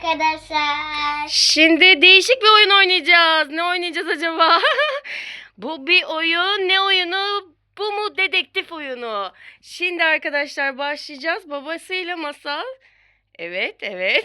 arkadaşlar. Şimdi değişik bir oyun oynayacağız. Ne oynayacağız acaba? Bu bir oyun. Ne oyunu? Bu mu dedektif oyunu? Şimdi arkadaşlar başlayacağız. Babasıyla Masal. Evet.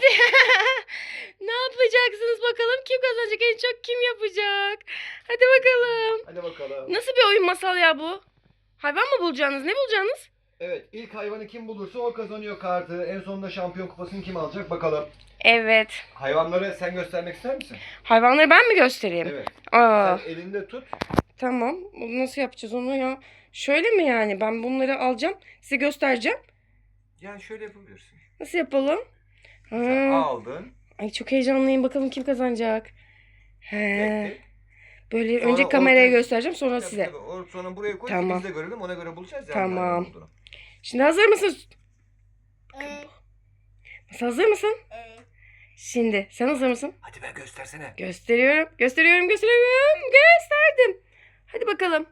Ne yapacaksınız bakalım? Kim kazanacak? En çok kim yapacak? Hadi bakalım. Hadi bakalım. Nasıl bir oyun Masal ya bu? Hayvan mı bulacaksınız? Ne bulacaksınız? Evet, ilk hayvanı kim bulursa o kazanıyor kartı. En sonunda şampiyon kupasını kim alacak bakalım. Evet. Hayvanları sen göstermek ister misin? Hayvanları ben mi göstereyim? Evet. Aa. Sen elinde tut. Tamam. Bunu nasıl yapacağız onu ya? Şöyle mi yani? Ben bunları alacağım. Size göstereceğim. Yani şöyle yapabilirsin. Nasıl yapalım? Sen Ha. aldın. Ay çok heyecanlıyım. Bakalım kim kazanacak. He. Bekle. Böyle Sonra önce kameraya ortaya- göstereceğim sonra size. Tabii, sonra buraya koy. Tamam. Biz de görelim. Ona göre bulacağız. Yani Tamam. hayvan olduğunu. Şimdi hazır mısın? Evet. Nasıl hazır mısın? Evet. Şimdi sen hazır mısın? Hadi be göstersene. Gösteriyorum. Gösterdim. Hadi bakalım.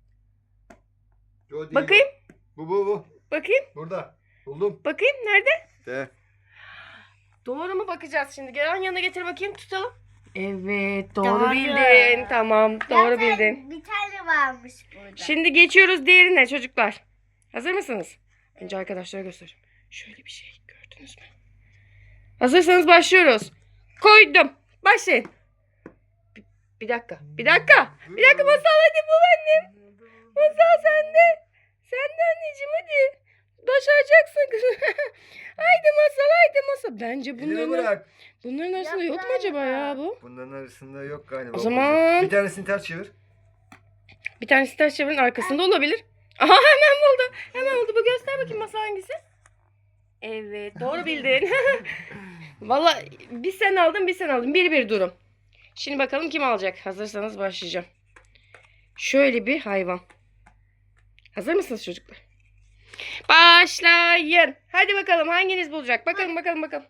Yo, değil Bakayım. Bu. Bakayım. Burada. Buldum. Bakayım. Nerede? De. Doğru mu bakacağız şimdi? Gel yanına getir bakayım tutalım. Evet doğru Doğru. bildin. Tamam doğru Zaten bildin. bir tane varmış burada. Şimdi geçiyoruz diğerine çocuklar. Hazır mısınız? Önce arkadaşlara göstereceğim. Şöyle bir şey gördünüz mü? Hazırsanız başlıyoruz. Koydum. Başlayın. Bir dakika. Bir dakika Masal hadi bul annem. Masal sende. Sende anneciğim hadi. Başaracaksın kızım. Haydi Masal. Bence Elini bırak. bunların arasında yok mu acaba ya bu? Bunların arasında yok galiba. O zaman- Bir tanesini ters çevir. Bir tanesi ters çevirin arkasında olabilir. Aha hemen buldu. Bu göster bakayım Masal hangisi? Evet doğru bildin. Vallahi bir sen aldın. 1-1 durum. Şimdi bakalım kim alacak. Hazırsanız başlayacağım. Şöyle bir hayvan. Hazır mısınız çocuklar? Başlayın. Hadi bakalım hanginiz bulacak? Bakalım.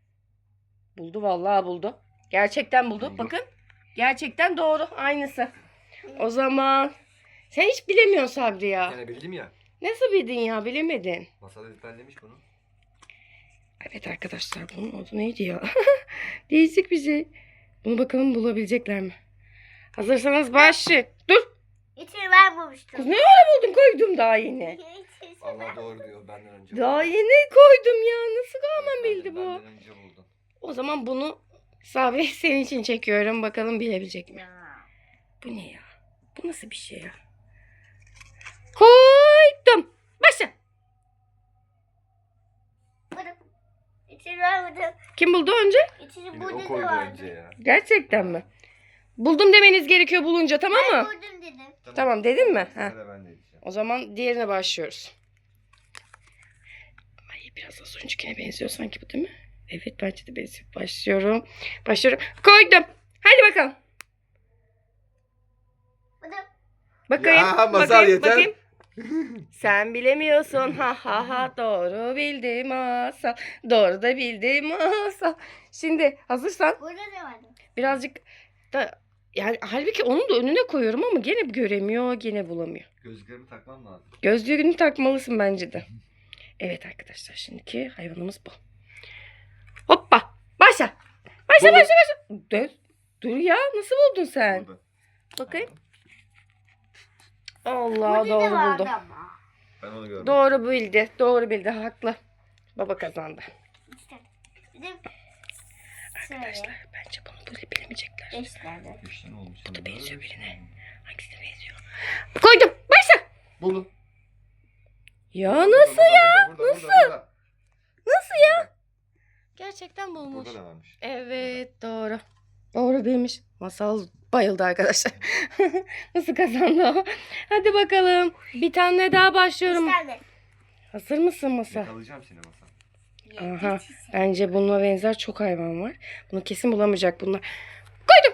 Buldu vallahi buldu. Gerçekten buldu. Bakın. Gerçekten doğru. Aynısı. O zaman sen hiç bilemiyorsun Sabri ya. Yani bildim ya. Nasıl bildin ya? Bilemedin. Masal ezberlemiş bunu. Evet arkadaşlar bunun adı neydi ya? Değişik bir şey. Bunu bakalım bulabilecekler mi? Hazırsanız başlayın. Dur. İçini ben bulmuştum. Kız ne ara buldun koydum daha yeni. Allah doğru diyor benden önce. Daha yeni koydum ya. Nasıl hemen bildi bu? Benden önce buldun. O zaman bunu Sabri senin için çekiyorum. Bakalım bilebilecek mi? Ya. Bu ne ya? Bu nasıl bir şey ya? Koydum. Başla. Buldum. İçini ben buldum. Kim buldu önce? İçini Yine burada o da koydu vardı. önce ya. Gerçekten mi? Buldum demeniz gerekiyor bulunca tamam Ben mı? buldum dedim. Tamam dedin mi? Ha. Sıra ben de diyeceğim. O zaman diğerine başlıyoruz. Ay biraz az öncekine benziyor sanki bu değil mi? Evet bence de benziyor. Başlıyorum. Koydum. Hadi bakalım. Buldum. Bakayım. Ya, Masal yeter. Bakayım. Sen bilemiyorsun. Ha. Doğru bildim Masal. Doğru da bildim Masal. Şimdi hazırsan Burada da vardı. birazcık da yani halbuki onun da önüne koyuyorum ama gene göremiyor, gene bulamıyor. Gözlüklerimi takmam lazım. Gözlüğünü takmalısın bence de. Evet arkadaşlar şimdiki hayvanımız bu. Hoppa. Başla. Başla. Dur ya nasıl buldun sen? Burada. Bakayım. Allah Burada da doğru vardı buldu. ama. Ben onu gördüm. Doğru bildi. Haklı. Baba kazandı. İşte. Dedim. Arkadaşlar bence bunu bilemeyecekler. 5 tane. Üç tane olmuş. Bu da benziyor birine. Hangisine benziyor? Koydum. Başla. Buldum. Ya nasıl ya? Nasıl? Nasıl ya? Gerçekten bulmuş. Burada da varmış. Evet doğru. Doğru bilmiş. Masal bayıldı arkadaşlar. Nasıl kazandı o? Hadi bakalım. Bir tane daha 5 başlıyorum. tane. Hazır mısın Masal? Yakalayacağım seni Masal. Aha. Bence bununla benzer çok hayvan var. Bunu kesin bulamayacak bunlar. Koydum.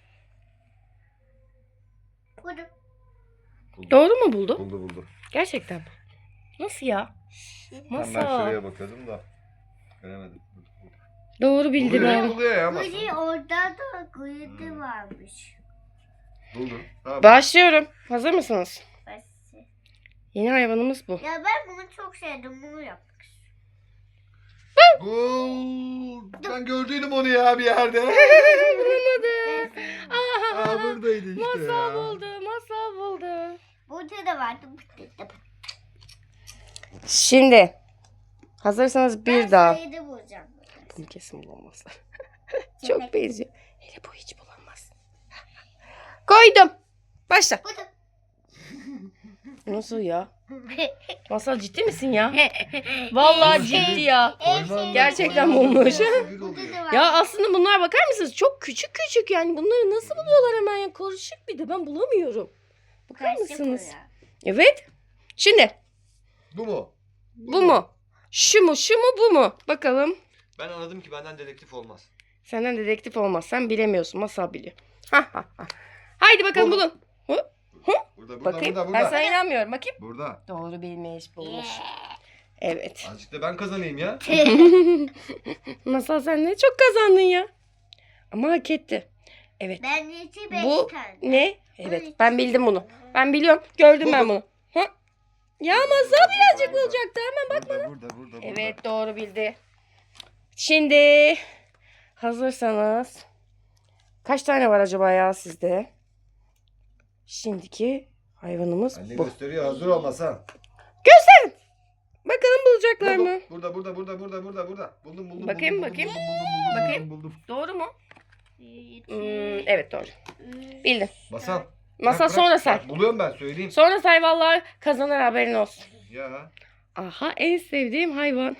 Buldum. Doğru mu buldu? Buldu. Gerçekten mi? Nasıl ya? Ben Masal. şuraya bakıyordum da. Göremedim. Doğru bildi ben. Buluyor ya Burada Masal. orada da kuyuda varmış. Buldu. Tamam. Başlıyorum. Hazır mısınız? Bası. Yeni hayvanımız bu. Ya ben bunu çok sevdim. Bunu yapmak istiyorum. Ben gördüydüm onu ya bir yerde. Bulamadı. Aa, buradaydı işte Masal ya. buldu. Masal buldu. Burada da vardı. Şimdi hazırsanız bir daha. Sayıda bulacağım. Bunu kesin bulamazlar. Çok benziyor. Hele bu hiç bulamaz. Koydum. Başla. Burada. Nasıl ya? Masal ciddi misin ya? Vallahi ciddi ya. Gerçekten bulmuş. Burada da var. Ya aslında bunlar bakar mısınız? Çok küçük küçük yani. Bunları nasıl buluyorlar hemen ya? Karışık bir de ben bulamıyorum. Bakar Karışık mısınız? o ya. Evet. Şimdi Bu mu? bu mu? Şu mu? Şu mu? Bu mu? Bakalım. Ben anladım ki benden dedektif olmaz. Senden dedektif olmaz. Sen bilemiyorsun. Masal biliyor. Ha ha ha. Haydi bakalım Bu. bulun. Burada Bakayım. burada. Ben sana inanmıyorum. Bakayım. Burada. Doğru bilmiş. Bulmuş. Evet. Azıcık da ben kazanayım ya. Masal sen ne çok kazandın ya. Ama hak etti. Evet. Ben içi 5 Bu tane. ne? Evet. Ben bildim bunu. Ben biliyorum. Gördüm ben bunu. Ha? Ya Masal birazcık bulacaktı. Hemen bak. Burada. Evet doğru bildi. Şimdi hazırsanız kaç tane var acaba ya sizde? Şimdiki hayvanımız Anne bu. gösteriyor hazır olmasa. Gösterin. Bakalım bulacaklar mı? Burada. Buldum. Bakayım. Buldum. Doğru mu? Evet doğru. Bildin. Masal. Masal sonra say. Buluyorum ben söyleyeyim. Sonra say vallahi kazanır haberin olsun. Ya. Aha en sevdiğim hayvan.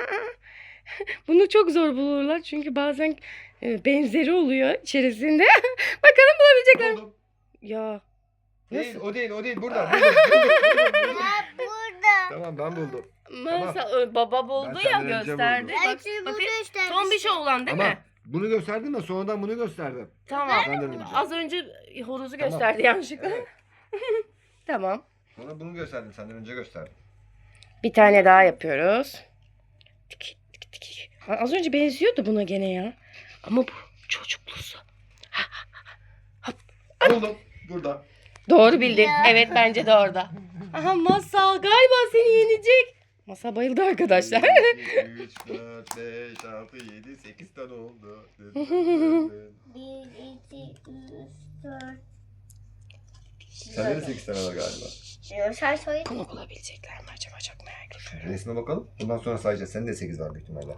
Bunu çok zor bulurlar çünkü bazen benzeri oluyor içerisinde. Bakalım bulabilecekler mi? Buldum. Ya. Değil, o değil. Burada. Ya burada. Tamam ben buldum. Masal baba buldu Ben ya senden önce gösterdi. buldum. Bak, Belki bunu bakayım. göstermişsin. Son bir şey olan değil Ama mi? bunu gösterdim de sonradan bunu gösterdim. Tamam. Senden önce. Az önce horozu Tamam. gösterdi yanlışlıkla. Evet. Tamam. Sonra bunu gösterdim. Senden önce gösterdim. Bir tane daha yapıyoruz. Tik, tik, tik. Ha, az önce benziyordu buna gene ya. Ama bu çocuklusu. Buldum. Burada. Doğru bildin. Ya. Evet bence de orada. Aha Masal galiba seni yenecek. Masal bayıldı arkadaşlar. 3, 4, 5, 6, 7, 8 tane oldu. 1, 2, 3, 4. Sende de 8 tane var galiba. Sen söyle. Bunu bulabilecekler mi acaba çok merak ediyorum. Resme bakalım. Bundan sonra sayacağız. Senin de 8 var büyük ihtimalle.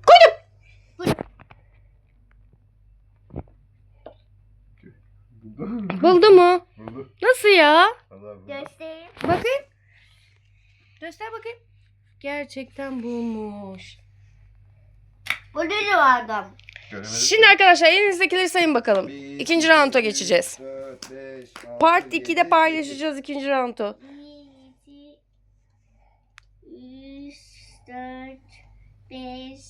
Buldum. Buldu mu? Buldu. Nasıl ya? Allah buldu. Göstereyim. Bakayım. Göster bakayım. Gerçekten bulmuş. Burada da vardı ama. Göremedim. Şimdi arkadaşlar elinizdekileri sayın bakalım. Bir, İkinci rounda geçeceğiz. 4, 5, 6, Part 7, 2'de paylaşacağız ikinci roundu. 1, 2, 3, 4, 5,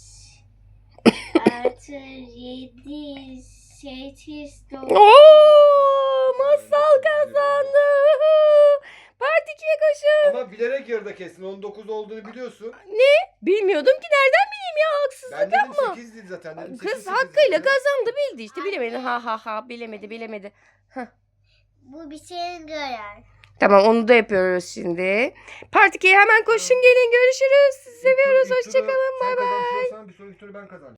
6, 7, 8, 9. Oo, Masal kazandı. Part 2'ye koşun. Ama bilerek yarıda kestin. 19 olduğunu biliyorsun. Bilmiyordum ki nereden bileyim ya haksızlık Ben dedim yapma. 8 değil zaten. Dedim Kız 8, hakkıyla dedim. kazandı bildi işte bilemedi. Ha bilemedi. Bu bir şeyin gören. Tamam onu da yapıyoruz şimdi. Part 2'ye hemen koşun gelin görüşürüz. Sizi seviyoruz. İlk turu Hoşçakalın. sen Bay bay. kazanıyorsan bir sonraki turu ben kazanacağım.